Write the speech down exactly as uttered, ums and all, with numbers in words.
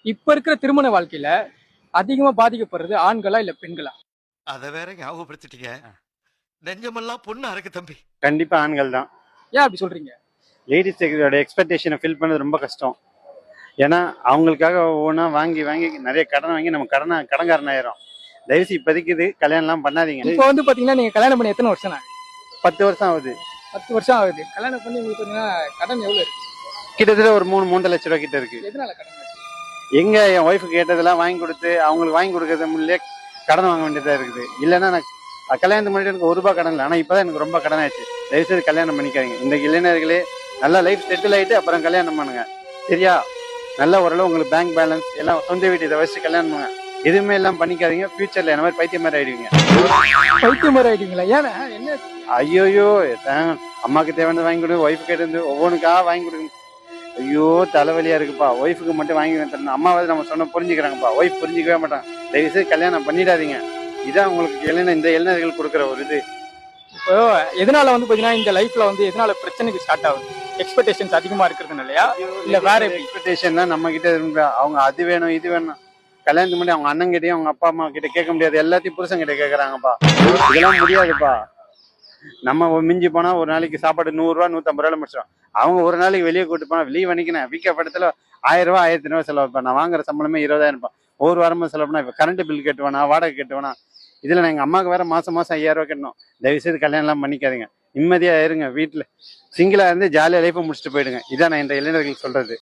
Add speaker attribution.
Speaker 1: இப்ப இருக்கிற திருமண வாழ்க்கையில அதிகமா பாதிக்கப்படுறது ஆண்களா இல்ல பெண்களா?
Speaker 2: அத வேற ஞாபகப்படுத்திட்டீங்க. நெஞ்சமெல்லாம் பொண்ணு அறக்கு தம்பி.
Speaker 3: கண்டிப்பா ஆண்கள் தான்.
Speaker 1: ஏன் அப்படி சொல்றீங்க?
Speaker 3: லேடிஸோட எக்ஸ்பெக்டேஷனை ஃபில் பண்ணது ரொம்ப கஷ்டம். ஏன்னா அவங்களுக்காக ஒவ்வொன்றா வாங்கி வாங்கி நிறைய கடன் வாங்கி நம்ம கடனை கடன்காரன் ஆயிரும். தயவுசு இப்போதைக்கு இது கல்யாணம்லாம் பண்ணாதீங்க.
Speaker 1: இப்ப வந்து பாத்தீங்கன்னா நீங்க கல்யாணம் பண்ணி எத்தனை வருஷம் ஆகுது?
Speaker 3: பத்து வருஷம் ஆகுது.
Speaker 1: பத்து வருஷம் ஆகுது. கல்யாணம் பண்ணி உங்களுக்கு பாத்தீங்கன்னா கடன் எவ்வளவு இருக்கு?
Speaker 3: கிட்டத்தட்ட ஒரு மூணு மூன்றரை லட்ச ரூபா கிட்ட இருக்கு.
Speaker 1: எதனால கடன் இருக்கு?
Speaker 3: எங்க என் ஒய்ஃபு கேட்டதெல்லாம் வாங்கி கொடுத்து அவங்களுக்கு வாங்கி கொடுக்கறது முன்னே கடன் வாங்க வேண்டியதா இருக்குது. இல்லைன்னா நான் கல்யாணத்துக்கு முன்னாடி எனக்கு ஒரு ரூபாய் கடன் இல்லை. ஆனால் இப்போதான் எனக்கு ரொம்ப கடன் ஆயிடுச்சு. தயவுசெய்து கல்யாணம் பண்ணிக்காதீங்க. இந்த இளைஞர்களே நல்லா லைஃப் செட்டில் ஆகிட்டு அப்புறம் கல்யாணம் பண்ணுங்க. சரியா? நல்ல ஓரளவு உங்களுக்கு பேங்க் பேலன்ஸ் எல்லாம் சொந்த வீட்டு இதை வச்சு கல்யாணம் பண்ணுங்க. எதுவுமே எல்லாம் பண்ணிக்காதீங்க. ஃபியூச்சர்ல என்ன மாதிரி பைத்தியம் மாதிரி ஆயிடுவீங்க.
Speaker 1: பைத்தியம் மாதிரி ஆயிடுவீங்களா? ஏன்னா என்ன?
Speaker 3: ஐயோயோ, அம்மாக்கு தேவையானது வாங்கி கொடு, ஒய்ஃபு கேட்டு ஒவ்வொன்றுக்காக வாங்கி கொடுங்க. ஐயோ தலைவலியா இருக்குப்பா. ஒய்ஃபுக்கு மட்டும் வாங்கி தரணும். அம்மாவது நம்ம சொன்ன புரிஞ்சுக்கிறாங்கப்பா. ஒய்ஃப் புரிஞ்சிக்கவே மாட்டாங்க. தயவுசெய்து கல்யாணம் பண்ணிடாதீங்க. இதான் உங்களுக்கு இளைஞர் இந்த இளைஞர்கள் கொடுக்குற ஒரு இது.
Speaker 1: இப்போ எதனால வந்து பாத்தீங்கன்னா இந்த லைஃப்ல வந்து எதனால பிரச்சனைக்கு ஸ்டார்ட் ஆகுது? எக்ஸ்பெக்டேஷன்ஸ் அதிகமா இருக்கிறது இல்லையா? இல்ல வேற
Speaker 3: எக்ஸ்பெக்டேஷன் தான் நம்ம கிட்ட இருந்து. அவங்க அது வேணும் இது வேணும். கல்யாணத்துக்கு முன்னாடி அவங்க அண்ணன் கிட்டயும் அவங்க அப்பா அம்மா கிட்ட கேட்க முடியாது. எல்லாத்தையும் புருஷன் கிட்ட கேட்கறாங்கப்பா. இதெல்லாம் முடியாதுப்பா. நம்ம மிஞ்சி போனா ஒரு நாளைக்கு சாப்பாடு நூறு ரூபா நூத்தம்பது ரூபாய் முடிச்சிடும். அவங்க ஒரு நாளைக்கு வெளியே கூட்டு போனா வெளியே வணிக்கினேன் வீக்க படத்துல ஆயிரம் ரூபாய் ஆயிரத்தி ரூபாய் செலவு வைப்பேன். நான் வாங்குற சம்பளமே இருபதாயிரம் ரூபாய். ஒரு வாரமா செலவு பண்ணா இப்ப கரண்ட் பில் கட்டுவேனா, வாடகை கட்டுவேனா. இதுல நான் எங்க அம்மாவுக்கு வேற மாசம் மாசம் ஐயாயிரம் ரூபாய் கட்டணும். தயவு செய்து கல்யாணம் எல்லாம் பண்ணிக்காதீங்க. நிம்மதியா இருங்க. வீட்டுல சிங்கிளா இருந்து ஜாலியா லைஃபை முடிச்சுட்டு போயிடுங்க. இதான் நான் இந்த இளைஞர்களுக்கு சொல்றது.